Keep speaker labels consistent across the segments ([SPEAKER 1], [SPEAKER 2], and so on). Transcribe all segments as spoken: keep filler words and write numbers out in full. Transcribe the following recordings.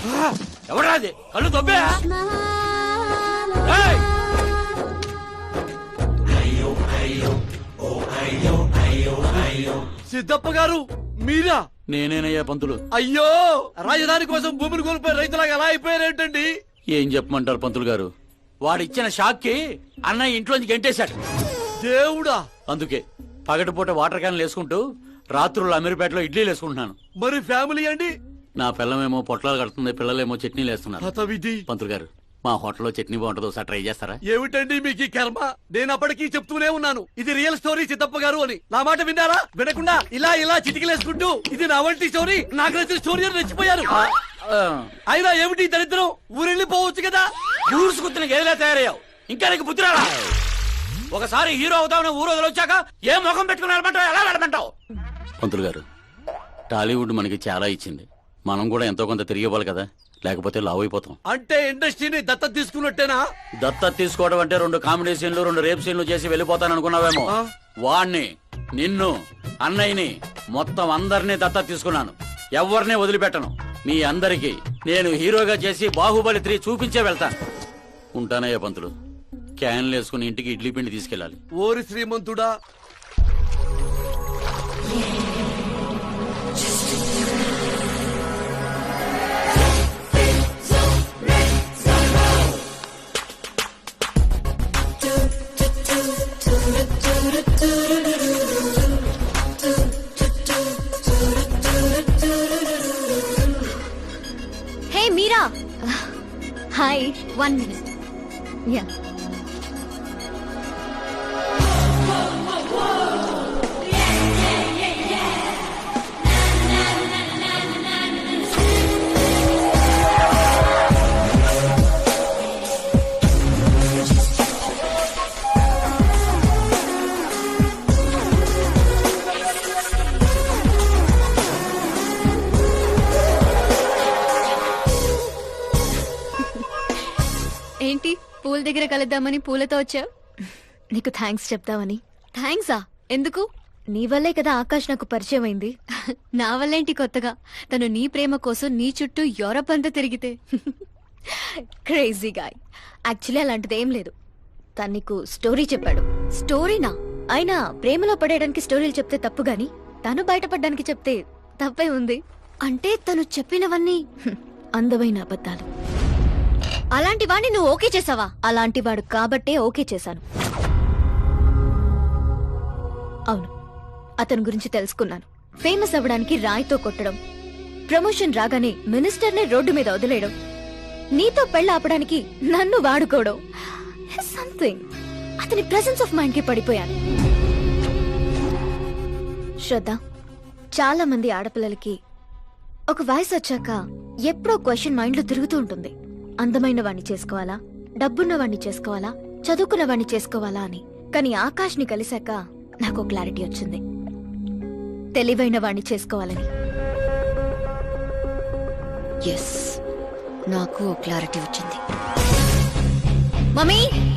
[SPEAKER 1] ఎవరా అది? కళ్ళు తొబ్బే.
[SPEAKER 2] సిద్ధప్ప గారు మీరా?
[SPEAKER 1] నేనేనయ్యా పంతులు.
[SPEAKER 2] అయ్యో, రాజధాని కోసం భూమిని కోల్పోయి రైతులాగా ఎలా అయిపోయారేంటండి?
[SPEAKER 1] ఏం చెప్పమంటారు పంతులు గారు, వాడిచ్చిన షాక్ కి అన్నయ్య ఇంట్లోంచి గెంటేశాడు.
[SPEAKER 2] దేవుడా!
[SPEAKER 1] అందుకే పగటిపూట వాటర్ క్యాన్లు వేసుకుంటూ రాత్రులు అమీర్పేటలో ఇడ్లీలు వేసుకుంటున్నాను.
[SPEAKER 2] మరి ఫ్యామిలీ అండి?
[SPEAKER 1] నా పిల్లమేమో పొట్లాలు కడుతుంది, పిల్లలేమో చట్నీలు వేస్తున్నారు.
[SPEAKER 2] హతవిధి.
[SPEAKER 1] పంతులు గారు, మా హోటల్లో చట్నీ బాగుంటుందో ఒకసారి ట్రై చేస్తారా?
[SPEAKER 2] ఏమిటండి మీకు ఈ కర్మ? నేను అప్పటికీ చెప్తూనే ఉన్నాను ఇది రియల్ స్టోరీ సిద్ధప్ప గారు అని. నా మాట విన్నారా? వినకుండా ఇలా ఇలా చిటికలేసుకుంటూ ఇది నా వంటి స్టోరీ, నాకు నచ్చిన స్టోరీ అని రెచ్చిపోయారు. అయినా ఏమిటి దరిద్రం? ఊరెళ్ళిపోవచ్చు కదా.
[SPEAKER 1] ఊరుసుకుతున్న గదిలా తయారయ్యావు, ఇంకా నీకు బుద్ధి రాలా? ఒకసారి హీరో అవుతామని ఊరు వదిలొచ్చాక ఏ ముఖం పెట్టుకుని వెళ్ళమంటావు, ఎలా వెళ్ళమంటావు? పంతులు గారు, టాలీవుడ్ మనకి చాలా ఇచ్చింది, మనం కూడా ఎంతో కొంత తిరిగి ఇవ్వాలి కదా, లేకపోతే లావు అయిపోతాం.
[SPEAKER 2] అంటే ఇండస్ట్రీని దత్తత తీసుకున్నట్టేనా?
[SPEAKER 1] దత్తత తీసుకోవడం అంటే రెండు కామెడీ సీన్లు రెండు రేప్ సీన్లు చేసి వెళ్ళిపోతాను అనుకున్నావేమో. వాణ్ణి, నిన్ను, అన్నయ్యని, మొత్తం అందరినీ దత్తత తీసుకున్నాను. ఎవరిని వదిలిపెట్టను. మీ అందరికి నేను హీరోగా చేసి బాహుబలి త్రీ చూపించే వెళ్తాను. ఉంటానయ్యా పంతులు. క్యాన్లు వేసుకుని ఇంటికి ఇడ్లీ పిండి తీసుకెళ్ళాలి.
[SPEAKER 2] ఓరి శ్రీమంతుడా!
[SPEAKER 3] Hey Meera. Hi, one minute. Yeah. ఏంటి పూల దగ్గర కలుద్దామని పూలతో వచ్చావు? నీకు థ్యాంక్స్ చెప్తావని. థ్యాంక్సా? ఎందుకు? నీ వల్లే కదా ఆకాష్ నాకు పరిచయం అయింది. నా వల్లేంటి కొత్తగా? తను నీ ప్రేమ కోసం నీ చుట్టూ యూరప్ అంతా తిరిగితే. Crazy guy. యాక్చువల్లీ అలాంటిది ఏం లేదు. తను నీకు స్టోరీ చెప్పాడు. స్టోరీనా? అయినా ప్రేమలో పడేయడానికి స్టోరీలు చెప్తే తప్పు గాని తను బయటపడడానికి చెప్తే తప్పే ఉంది. అంటే తను చెప్పినవన్నీ అందమైన అబద్ధాలు. అలాంటి వాడిని నువ్వు ఓకే చేసావా? అలాంటి వాడు కాబట్టే ఓకే చేశాను. అవును, అతని గురించి తెలుసుకున్నాను. ఫేమస్ అవ్వడానికి రాయితో కొట్టడం, ప్రమోషన్ రాగానే మినిస్టర్నే రోడ్డు మీద వదిలేయడం, నీతో పెళ్ళ ఆపడానికి నన్ను వాడుకోవడం, సంథింగ్. అతని ప్రెసెన్స్ ఆఫ్ మైండ్ కి పడిపోయాను. శ్రద్ధ, చాలా మంది ఆడపిల్లలకి ఒక వయసు వచ్చాక ఎప్పుడో క్వశ్చన్ మైండ్ లో తిరుగుతూ ఉంటుంది. అందమైన వాణ్ణి చేసుకోవాలా, డబ్బున్న వాణ్ణి చేసుకోవాలా, చదువుకున్న వాణ్ణి చేసుకోవాలా అని. కానీ ఆకాష్ ని కలిశాక నాకు క్లారిటీ వచ్చింది. తెలివైన వాణ్ణి చేసుకోవాలని. ఎస్, నాకు క్లారిటీ వచ్చింది. మమ్మీ,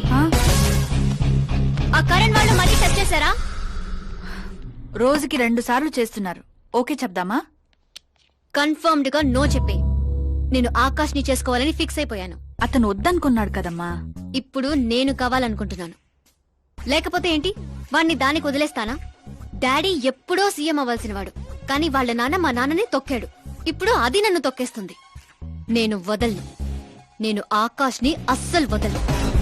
[SPEAKER 3] ఆ కరణ్ వాళ్ళు మళ్ళీ టచ్ చేశారా?
[SPEAKER 4] రోజుకి రెండు సార్లు చేస్తున్నారు. ఓకే చెప్దామా?
[SPEAKER 3] కన్ఫర్మ్డ్ గా నో చెప్పే. నేను ఆకాష్ ని చేసుకోవాలని ఫిక్స్ అయిపోయాను.
[SPEAKER 4] అతను వద్దనుకున్నాడు కదమ్మా.
[SPEAKER 3] ఇప్పుడు నేను కావాలనుకుంటున్నాను. లేకపోతే ఏంటి, వాణ్ణి దానికి వదిలేస్తానా? డాడీ ఎప్పుడో సీఎం అవ్వాల్సిన వాడు, కానీ వాళ్ళ నాన్న మా నాన్నని తొక్కాడు. ఇప్పుడు అది నన్ను తొక్కేస్తుంది. నేను వదలను. నేను ఆకాష్ ని అస్సలు వదలను.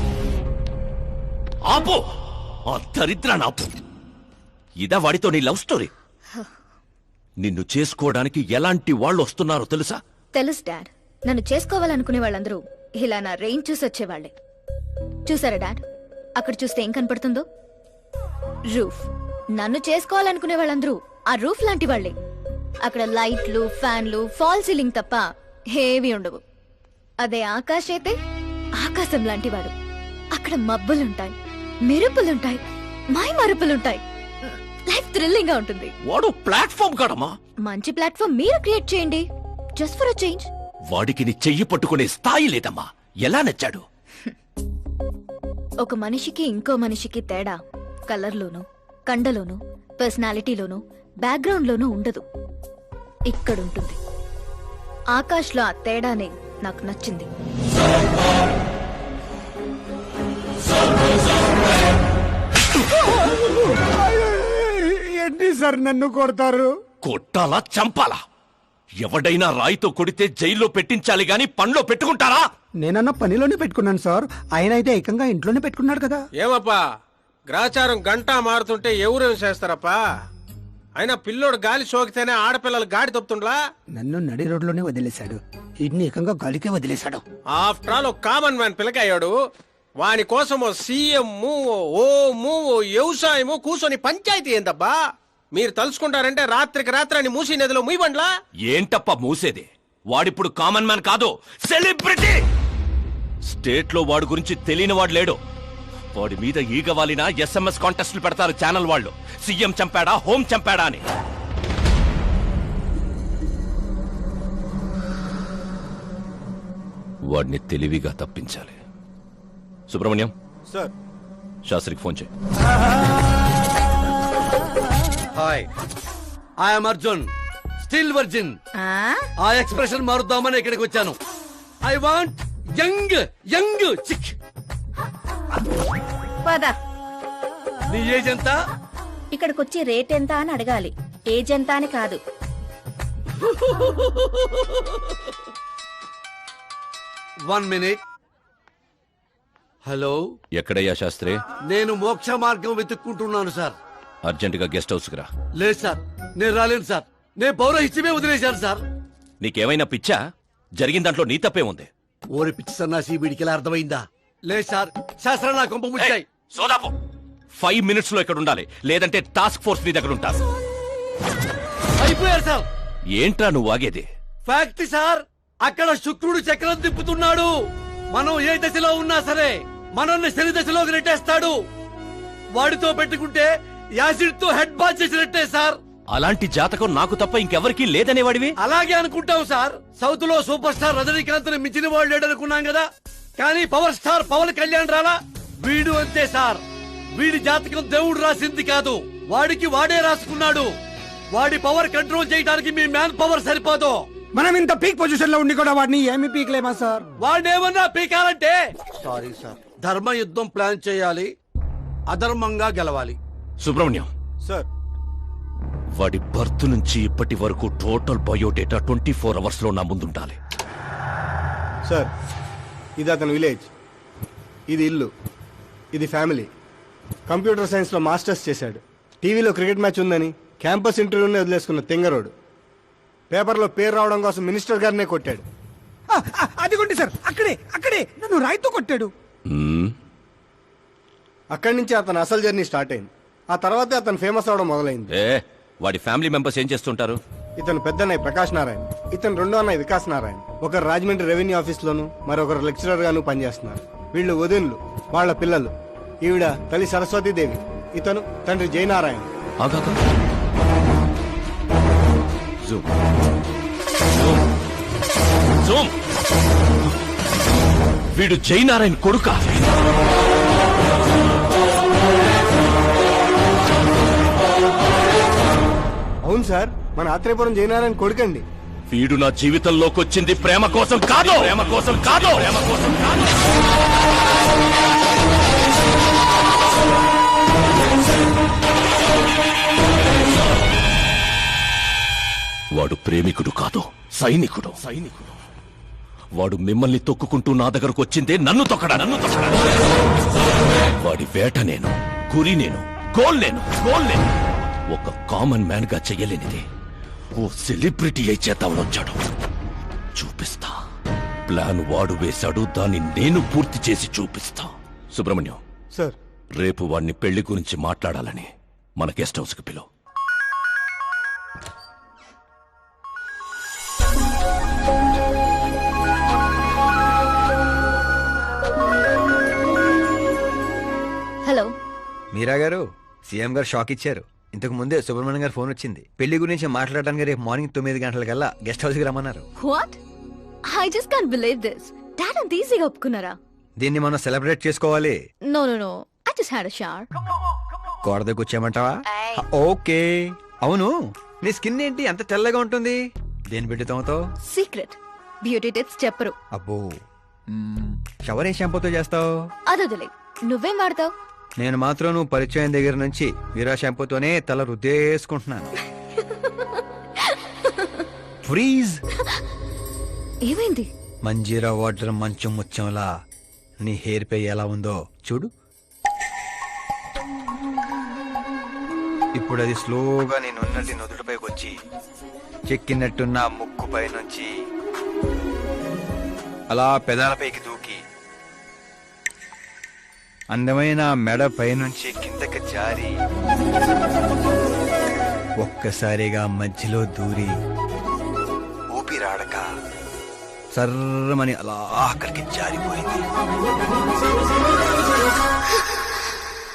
[SPEAKER 5] ఆపో, ఆ దరిద్రాన్ని ఆపు. ఇదా వాడితో నీ లవ్ స్టోరీ? నిన్ను చేసుకోవడానికి ఎలాంటి వాళ్ళు వస్తున్నారో తెలుసా?
[SPEAKER 3] తెలుసు డాడ్. నన్ను చేసుకోవాలనుకునే వాళ్ళందరూ ఇలా నా రేంజ్ చూసి వచ్చేవాళ్లే. చూసారా డాడ్, అక్కడ చూస్తే ఏం కనపడుతుందో? రూఫ్. నన్ను చేసుకోవాలనుకునే వాళ్ళందరూ ఆ రూఫ్ లాంటి వాళ్లే. అక్కడ లైట్లు, ఫ్యాన్లు, ఫాల్ సీలింగ్ తప్ప హేవీ ఉండవు. అదే ఆకాశ్ అయితే ఆకాశం లాంటి వాడు. అక్కడ మబ్బులుంటాయి, మెరుపులుంటాయి, మై మరుపులుంటాయి. లైఫ్ థ్రిల్లింగ్ గా ఉంటుంది.
[SPEAKER 5] వాడు ప్లాట్ఫామ్ కాడమ్మా.
[SPEAKER 3] మంచి ప్లాట్ఫామ్ మీరు క్రియేట్ చేయండి. Just for a change.
[SPEAKER 5] వాడికి నీ చెయ్యి పట్టుకునే స్థాయి లేదమ్మా. ఎలా నచ్చాడు?
[SPEAKER 3] ఒక మనిషికి ఇంకో మనిషికి తేడా కలర్లోనూ, కండలోనూ, పర్సనాలిటీలోనూ, బ్యాక్గ్రౌండ్ లోనూ ఉండదు. ఇక్కడుంటుంది. ఆకాష్లో ఆ తేడానే నాకు నచ్చింది.
[SPEAKER 6] ఏంటి సార్ నన్ను కొడతారు?
[SPEAKER 5] కొట్టాలా చంపాలా? ఎవడైనా రాయితో కొడితే జైల్లో పెట్టించాలి గాని పండ్లో పెట్టుకుంటారా?
[SPEAKER 6] నేనన్న పనిలోనే పెట్టుకున్నాను సార్. ఆయన అయితే ఏకంగా ఇంట్లోనే పెట్టుకున్నాడు కదా.
[SPEAKER 7] ఏమప్పా గ్రాచారం గంటా మారుతుంటే ఎవరేం చేస్తారప్పా? అయినా పిల్లోడు గాలి సోకితేనే ఆడపిల్లలు గాడి తప్పుతుండ్లా?
[SPEAKER 6] నన్ను నడి రోడ్లోనే వదిలేశాడు, ఇన్ని ఏకంగా గాలికే వదిలేశాడు.
[SPEAKER 7] ఆఫ్టర్ ఆల్ ఒక కామన్ మ్యాన్ పిల్లకయ్యాడు. వాని కోసం ఓ సీఎం ఓము ఓ వ్యవసాయము కూర్చొని పంచాయతీ ఏందబ్బా? మీరు తలుచుకుంటారంటే రాత్రికి రాత్రి అని మూసి నదిలో ముయ్యబండ్లా?
[SPEAKER 5] ఏంటప్ప మూసేది? వాడిప్పుడు కామన్ మ్యాన్ కాదు, సెలబ్రిటీ. స్టేట్ లో వాడి గురించి తెలియని వాడు లేడు. వాడి మీద ఈగ వాలిన ఎస్ఎంఎస్ కాంటెస్ట్లు పెడతారు ఛానల్ వాళ్ళు, సీఎం చంపాడా హోం చంపాడా అని. వాడిని తెలివిగా తప్పించాలి. సుబ్రహ్మణ్యం
[SPEAKER 7] సార్.
[SPEAKER 5] శాస్త్రికి ఫోన్ చేయి.
[SPEAKER 2] Hi, I'm Arjun, still virgin. ఆ ఎక్స్ప్రెషన్ మారుద్దామని ఇక్కడికి వచ్చాను. I want young young chick.
[SPEAKER 8] పద,
[SPEAKER 2] నీ ఏజ్ ఎంత?
[SPEAKER 8] ఇక్కడికొచ్చి రేట్ ఎంత అని అడగాలి, ఏజ్ ఎంత అని కాదు.
[SPEAKER 2] One minute. హలో,
[SPEAKER 5] ఎక్కడయ్యా శాస్త్రి?
[SPEAKER 2] నేను మోక్ష మార్గం వెతుక్కుంటున్నాను సార్.
[SPEAKER 5] అర్జెంట్ గా గెస్ట్ హౌస్ కి రా.
[SPEAKER 2] లేదు సార్, నేను రాలేను సార్. నేను పౌరహిత్యమే వదిలేశాను సార్.
[SPEAKER 5] నీకేమైనా పిచ్చా? జరిగిన దాంట్లో నీ తప్పే ఉంది.
[SPEAKER 2] ఓరి పిచ్చి సన్నాసి, వీడికి ఎలా అర్థమైందా? లేదు సార్, శాస్త్రం నా కొంప ముచ్చాయి.
[SPEAKER 5] సోదాపు ఫైవ్ మినిట్స్ లో ఇక్కడ ఉండాలి, లేదంటే టాస్క్ ఫోర్స్ నీ దగ్గర ఉంటారు.
[SPEAKER 2] అయిపోయారు సార్.
[SPEAKER 5] ఏంట్రా నువ్వు ఆగేది?
[SPEAKER 2] ఫ్యాక్ట్ సార్, అక్కడ శుక్రుడు చక్రం తిప్పుతున్నాడు. మనం ఏ దశలో ఉన్నా సరే మనల్ని శని దశలోకి నెట్టేస్తాడు. వాడితో పెట్టుకుంటే యాసిడ్ తో హెడ్ బాత్ చేసినట్టే సార్.
[SPEAKER 5] అలాంటి జాతకం నాకు తప్ప ఇంకెవరికీ లేదనేవాడివి.
[SPEAKER 2] అలాగే అనుకుంటాం సార్. సౌత్ లో సూపర్ స్టార్ రజనీకాంత్ ని మించిన వాడు లేడనుకున్నాం కదా, కానీ పవర్ స్టార్ పవన్ కళ్యాణ్ రాలా? వీడు అంతే సార్. వీడి జాతకం దేవుడు రాసింది కాదు, వాడికి వాడే రాసుకున్నాడు. వాడి పవర్ కంట్రోల్ చేయడానికి మీ మ్యాన్ పవర్ సరిపోదు.
[SPEAKER 6] మనం ఇంత పీక్ పొజిషన్ లో ఉండి కూడా వాడిని ఏమి పీక్లేమా సార్?
[SPEAKER 2] వాడేమన్నా పీకాలంటే సారీ సార్, ధర్మ యుద్ధం ప్లాన్ చేయాలి, అధర్మంగా గెలవాలి.
[SPEAKER 5] సుబ్రహ్మణ్యం
[SPEAKER 7] సార్.
[SPEAKER 5] వాడి బర్త్ నుంచి ఇప్పటి వరకు total biodata twenty four hours లో నా ముందుండాలి.
[SPEAKER 9] సార్, ఇది అతని విలేజ్, ఇది ఇల్లు, ఇది ఫ్యామిలీ. కంప్యూటర్ సైన్స్ లో మాస్టర్స్ చేశాడు. టీవీలో క్రికెట్ మ్యాచ్ ఉందని క్యాంపస్ ఇంటర్వ్యూనే వదిలేసుకున్న తెంగరోడు. పేపర్లో పేరు రావడం కోసం మినిస్టర్ గారినే కొట్టాడు.
[SPEAKER 6] ఆ, ఆ, అదిగోండి సార్, అక్కడే అక్కడే నన్ను రాయితో కొట్టాడు.
[SPEAKER 5] మ్మ్.
[SPEAKER 9] అక్కడి నుంచి అతను అసలు జర్నీ స్టార్ట్ అయింది. ఆ తర్వాతే అతను ఫేమస్ అవడం మొదలైంది.
[SPEAKER 5] ఏ వాడి ఫ్యామిలీ మెంబర్స్ ఏం చేస్తుంటారు?
[SPEAKER 9] ఇతను పెద్దన్నయ్య ప్రకాష్ నారాయణ, ఇతను రెండో అన్నయ్య వికాస్ నారాయణ. ఒకరు రాజమండ్రి రెవెన్యూ ఆఫీస్ లోను, మరొకరు లెక్చరర్ గాను పనిచేస్తున్నారు. వీళ్ళు వదినులు, వాళ్ళ పిల్లలు. ఈవిడ తల్లి సరస్వతీదేవి, ఇతను తండ్రి జయనారాయణ.
[SPEAKER 5] ఆగాక. జూమ్. జూమ్. జూమ్. వీడు జయనారాయణ కొడుక.
[SPEAKER 9] అవును సార్, మన ఆత్రేయపురం జయనారాయణ కొడుకండి.
[SPEAKER 5] వీడు నా జీవితంలోకి వచ్చింది ప్రేమ కోసం కాదు, ప్రేమ కోసం కాదు, ప్రేమ కోసం కాదు. వాడు ప్రేమికుడు కాదు, సైనికుడు. సైనికుడు వాడు మిమ్మల్ని తొక్కుకుంటూ నా దగ్గరకు వచ్చిందే నన్ను తొక్కడా, నన్ను తొక్కడా. వాడి వేట నేను, గురి నేను, గోల్ నేను, గోల్ నేను. ఒక కామన్ మ్యాన్ గా చెయ్యలేనిది ఓ సెలబ్రిటీ అయి చేద్దామని వచ్చాడు. చూపిస్తా. ప్లాన్ వాడు వేశాడు, దాన్ని నేను పూర్తి చేసి చూపిస్తా. సుబ్రహ్మణ్యం
[SPEAKER 9] సార్,
[SPEAKER 5] రేపు వాడిని పెళ్లి గురించి మాట్లాడాలని మన గెస్ట్ హౌస్ కి పిలువు.
[SPEAKER 3] హలో,
[SPEAKER 10] మీరా గారు, సీఎం గారు షాక్ ఇచ్చారు. ఇంతకు ముందే సుబ్రహ్మణ్యం గారు ఫోన్ వచ్చింది. పెళ్లి గురించి మాట్లాడడానికి రేపు మార్నింగ్ తొమ్మిది గంటలకల్లా గెస్ట్ హౌస్ కి రమ్మన్నారు.
[SPEAKER 3] What? I just can't believe this. Dad అంత ఈజీగా ఒప్పుకున్నారా?
[SPEAKER 10] దీన్ని మనం సెలబ్రేట్ చేసుకోవాలి.
[SPEAKER 3] No no no, I just had a shower.
[SPEAKER 10] గోడ దగ్గర కూర్చోమంటావా? ఓకే. అవును, నీ స్కిన్ ఏంటి అంత తెల్లగా ఉంటుంది? దేని పెట్టి తోమతో?
[SPEAKER 3] సీక్రెట్. బ్యూటీ టిప్స్ చెప్పరు.
[SPEAKER 10] అబ్బో మ్మ్. షవర్ ఏ షాంపూతో చేస్తావు?
[SPEAKER 3] అదొదిలే, నువ్వేం వాడతావు?
[SPEAKER 10] నేను మాత్రం నువ్వు పరిచయం దగ్గర నుంచి వీరా షాంపూతోనే తల రుద్దేసుకుంటున్నాను. ఫ్రీజ్.
[SPEAKER 3] ఏమైంది?
[SPEAKER 10] మంజీరా వాటర్ మంచం ముచ్చంలా నీ హెయిర్ పై ఎలా ఉందో చూడు. ఇప్పుడు అది స్లోగా నేను ఉన్నట్టు నుదుటిపైకి వచ్చి చెక్కినట్టున్న ముక్కు పై నుంచి అలా పెదాలపైకి దూకి అందమైన మెడ పైనుంచి కిందకి జారి ఒక్కసారిగా మధ్యలో దూరి ఊపిరాడక సర్రమని అలా అక్కడికి జారిపోయింది.